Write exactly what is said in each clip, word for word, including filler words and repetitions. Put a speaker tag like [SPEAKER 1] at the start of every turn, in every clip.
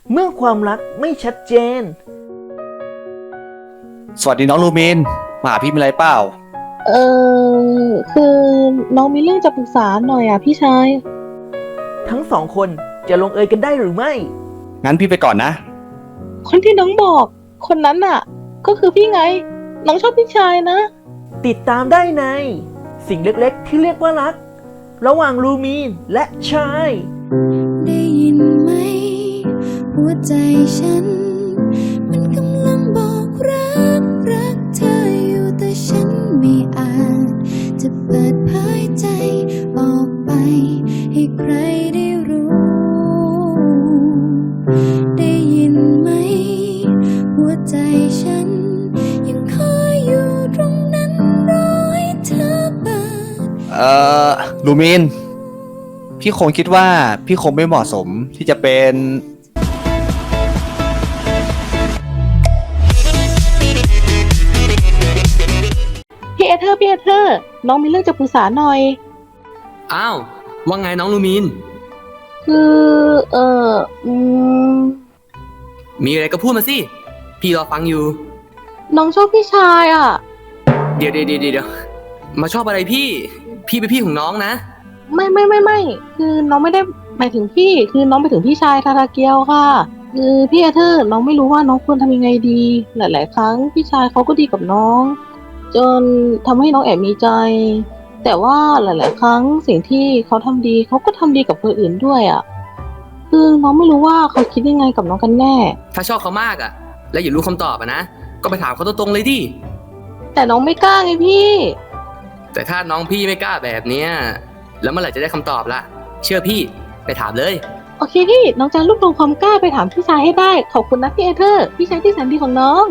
[SPEAKER 1] เมื่อความรักไม่ชัดเจน
[SPEAKER 2] สวัสดีน้องลูมินมาหาพี่มีอะไรเปล่า
[SPEAKER 3] เออคือน้องมีเรื่องจะปรึกษาหน่อยอ่ะพี่ชาย
[SPEAKER 1] ทั้งสองคนจะลงเอยกันได้หรือไม่
[SPEAKER 2] งั้นพี่ไปก่อนนะ
[SPEAKER 3] คนที่น้องบอกคนนั้นน่ะก็คือพี่ไงน้องชอบพี่ชายนะ
[SPEAKER 1] ติดตามได้ในสิ่งเล็กๆที่เรียกว่ารักระหว่างลูมีนและชาย
[SPEAKER 4] ได้ยินไหมหัวใจฉันมันกำลังบอกรักรักเธออยู่แต่ฉันไม่อาจจะเปิดเผยใจออกไปให้ใครได้รู้ได้ยินไหมหัวใจฉันยังคอยอยู่ตรงนั้นรอให้เธอเปิด
[SPEAKER 2] เอ่อลูมินพี่คงคิดว่าพี่คงไม่เหมาะสมที่จะเป็น
[SPEAKER 3] พี่เอเธอร์พี่เอเธอร์น้องมีเรื่องจะปรึกษาหน่อย
[SPEAKER 5] อ้าวว่าไงน้องลูมิน
[SPEAKER 3] คือเอออืม
[SPEAKER 5] มีอะไรก็พูดมาสิพี่รอฟังอยู่
[SPEAKER 3] น้องชอบพี่ชายอ่ะ
[SPEAKER 5] เดี๋ยวเดี๋ยวเดี๋ยวเดี๋ยวมาชอบอะไรพี่พี่เป็นพี่ของน้องนะ
[SPEAKER 3] ไม่ไม่ไม่ไม่คือน้องไม่ได้หมายถึงพี่คือน้องไปถึงพี่ชายทาราเกียวค่ะคือพี่เอเธอร์น้องไม่รู้ว่าน้องควรทำยังไงดีหลายๆครั้งพี่ชายเขาก็ดีกับน้องจนทำให้น้องแอบมีใจแต่ว่าหลายๆครั้งสิ่งที่เขาทำดีเขาก็ทำดีกับคนอื่นด้วยอ่ะคือน้องไม่รู้ว่าเขาคิดยังไงกับน้องกันแน่
[SPEAKER 5] ถ้าชอบเขามากอ่ะแล้วอย่ารู้คำตอบอ่ะนะก็ไปถามเขาตรงๆเลยดิ
[SPEAKER 3] แต่น้องไม่กล้าไงพี่
[SPEAKER 5] แต่ถ้าน้องพี่ไม่กล้าแบบเนี้ยแล้วเมื่อไหร่จะได้คำตอบล่ะเชื่อพี่ไปถามเลย
[SPEAKER 3] โอเคพี่น้องจะรวบรวมความกล้าไปถามพี่ชายให้ได้ขอบคุณนะพี่เอเธอร์พี่ชายที่แสนดีของน้อง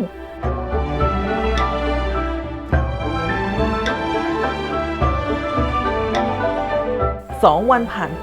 [SPEAKER 1] สองวันผ่านไป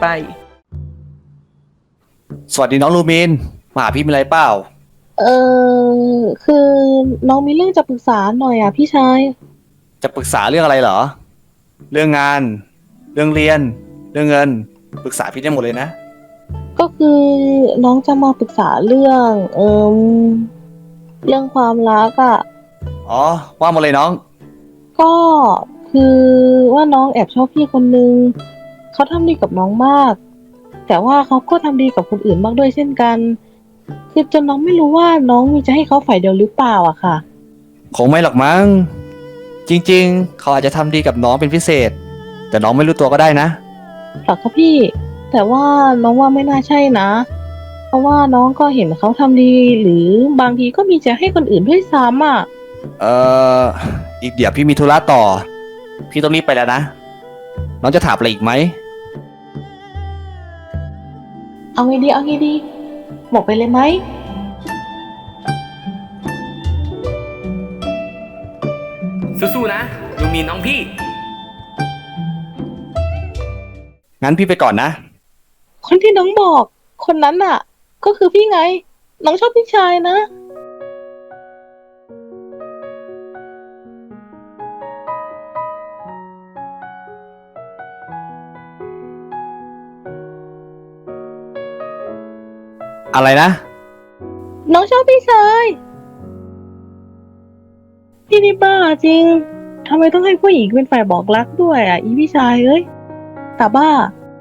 [SPEAKER 2] สวัสดีน้องลูมินมาหาพี่มีอะไรเปล่า
[SPEAKER 3] เออคือน้องมีเรื่องจะปรึกษาหน่อยอ่ะพี่ชาย
[SPEAKER 2] จะปรึกษาเรื่องอะไรเหรอเรื่องงานเรื่องเรียนเรื่องเงินปรึกษาพี่ได้หมดเลยนะ
[SPEAKER 3] ก็คือน้องจะมาปรึกษาเรื่องเอ่มเรื่องความรักอ่ะ
[SPEAKER 2] อ๋อว่ามาเลยน้อง
[SPEAKER 3] ก็คือว่าน้องแอบชอบพี่คนนึงเขาทำดีกับน้องมากแต่ว่าเขาก็ทำดีกับคนอื่นมากด้วยเช่นกันคือจนน้องไม่รู้ว่าน้องมีจะให้เขาฝ่ายเดียวหรือเปล่าอะค่ะ
[SPEAKER 2] คงไม่หรอกมั้งจริงๆเขาอาจจะทำดีกับน้องเป็นพิเศษแต่น้องไม่รู้ตัวก็ได้นะ
[SPEAKER 3] หรอคะพี่แต่ว่าน้องว่าไม่น่าใช่นะเพราะว่าน้องก็เห็นเขาทำดีหรือบางทีก็มีจะให้คนอื่นด้วยซ้ำอ่ะ
[SPEAKER 2] เอ่ออีกเดี๋ยวพี่มีธุระต่อพี่ต้องรีบไปแล้วนะน้องจะถามอะไรอีกไหม
[SPEAKER 3] เอาไงดีเอาไงดีบอกไปเลยไหม
[SPEAKER 5] สู้ๆนะลูมินน้องพี่
[SPEAKER 2] งั้นพี่ไปก่อนนะ
[SPEAKER 3] คนที่น้องบอกคนนั้นน่ะก็คือพี่ไงน้องชอบพี่ชายนะ
[SPEAKER 2] อะไรนะ
[SPEAKER 3] น้องชอบพี่ชายพี่นี่บ้าจริงทำไมต้องให้ผู้หญิงเป็นฝ่ายบอกรักด้วยอ่ะอีพี่ชายเอ้ยตาบ้า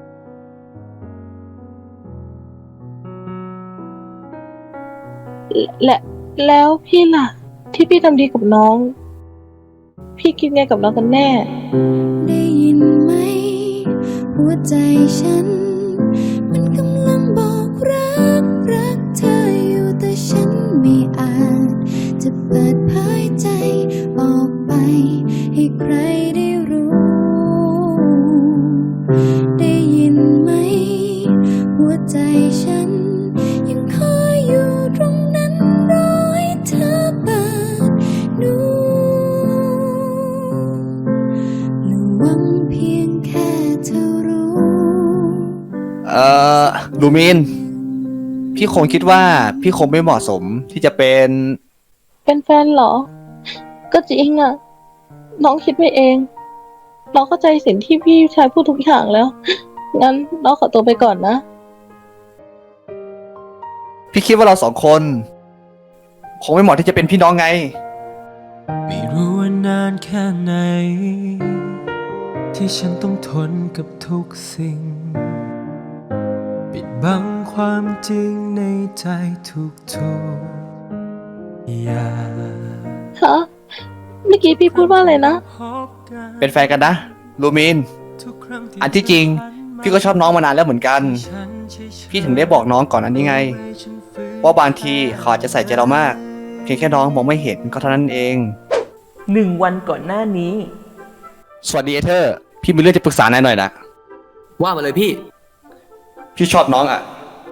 [SPEAKER 3] และแล้วพี่ล่ะที่พี่ทำดีกับน้องพี่คิดไงกับน้องกันแน่
[SPEAKER 4] ได้ยินไหมหัวใจฉันมันกำลังบอกรักรักเธออยู่แต่ฉันไม่อาจจะเปิดเผยใจออกไปให้ใครได้รู้ได้ยินไหมหัวใจฉันยังคอยอยู่ตรงนั้นรอให้เธอเปิดดูและหวังเพียงแค่เธอรู้
[SPEAKER 2] เอ่อลูมินพี่คงคิดว่าพี่คงไม่เหมาะสมที่จะเป็น
[SPEAKER 3] เป็นแฟนเหรอก็จริงอ่ะน้องคิดไปเองน้องเข้าใจสิ่งที่พี่ชายพูดทุกอย่างแล้วงั้นน้องขอตัวไปก่อนนะ
[SPEAKER 2] พี่คิดว่าเราสองคน คงไม่เหมาะที่จะเป็นพี่น้องไง
[SPEAKER 6] ไม่รู้ว่านานแค่ไหน ที่ฉันต้องทนกับทุกสิ่ง ปิดบังความจริงในใจทุกๆอย่าง
[SPEAKER 3] ฮะ เมื่อกี้พี่พูดว่าอะไรนะ
[SPEAKER 2] เป็นแฟนกันนะลูมิน อันที่จริง พี่ก็ชอบน้องมานานแล้วเหมือนกัน พี่ถึงได้บอกน้องก่อนอันนี้ไง ว่าบางทีเขาอาจจะใส่ใจเรามาก เพียงแค่น้องมองไม่เห็นก็เท่านั้นเอง
[SPEAKER 1] หนึ่งวันก่อนหน้านี้
[SPEAKER 2] สวัสดีเอเธอร์ พี่มีเรื่องจะปรึกษานายหน่อยนะ
[SPEAKER 5] ว่ามาเลยพี่
[SPEAKER 2] พี่ชอบน้องอ่ะ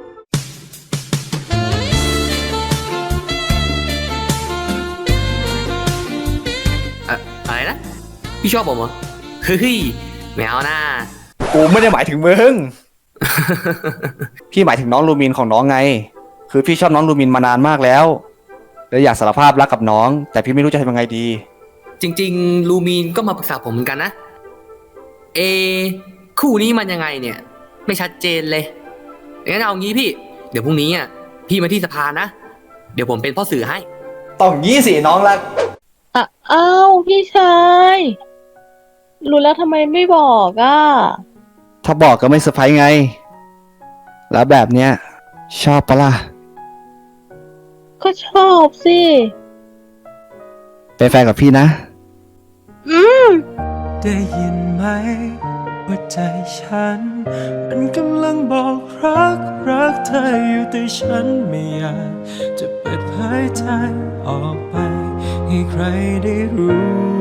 [SPEAKER 5] อะอะไรนะ พี่ชอบผมเหรอ เฮ้ยไม่เอาหน้า
[SPEAKER 2] กูไม่ได้หมายถึงมึง พี่หมายถึงน้องลูมินของน้องไง คือพี่ชอบน้องลูมินมานานมากแล้วเลยอยากสารภาพรักกับน้อง แต่พี่ไม่รู้จะทำยังไงดี
[SPEAKER 5] จริงๆ ลูมีนก็มาปรึกษาผมเหมือนกันนะ เอ คู่นี้มันยังไงเนี่ย ไม่ชัดเจนเลยงั้นเอางี้พี่ เดี๋ยวพรุ่งนี้อ่ะพี่มาที่สภานะ เดี๋ยวผมเป็นพ่อสื่อให้
[SPEAKER 2] ต้องยี่สิน้องรัก
[SPEAKER 3] อ่ะอ้าวพี่ชาย รู้แล้วทำไมไม่บอกอ่ะ
[SPEAKER 2] ถ้าบอกก็ไม่เซอร์ไพรส์ไง แล้วแบบเนี้ยชอบปะล่ะ
[SPEAKER 3] ก็ชอบสิ
[SPEAKER 2] เป็นแฟนกับพี่นะ
[SPEAKER 3] อืม
[SPEAKER 6] ได้ยินไหมว่าใจฉัน มันกำลังบอกรักรักเธออยู่แต่ฉันไม่อยากจะเปิดเผยใจออกไปให้ใครได้รู้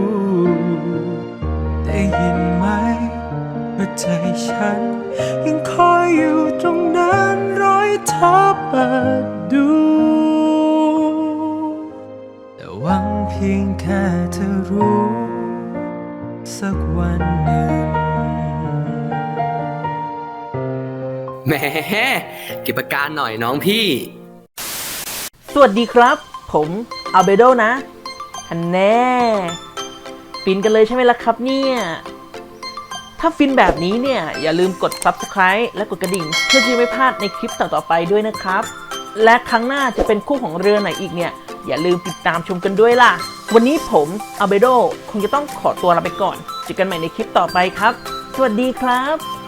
[SPEAKER 6] ได้ยินไหมว่าใจฉัน ยังคอยอยู่ตรงนั้นร้อยเท้าเปิดดู แต่หวังเพียงแค่เธอรู้ สักวันหนึ่ง
[SPEAKER 5] แหมเก็บอาการหน่อยน้องพี่
[SPEAKER 1] สวัสดีครับ ผมอัลเบโดนะฮันแน่ฟินกันเลยใช่ไหมล่ะครับเนี่ย ถ้าฟินแบบนี้เนี่ย อย่าลืมกด ซับสไครบ์ และกดกระดิ่ง เพื่อที่จะไม่พลาดในคลิปต่อๆไปด้วยนะครับ และครั้งหน้าจะเป็นคู่ของเรือไหนอีกเนี่ย อย่าลืมติดตามชมกันด้วยล่ะ วันนี้ผมอัลเบโดคงจะต้องขอตัวลาไปก่อนเจอกันใหม่ในคลิปต่อไปครับ สวัสดีครับ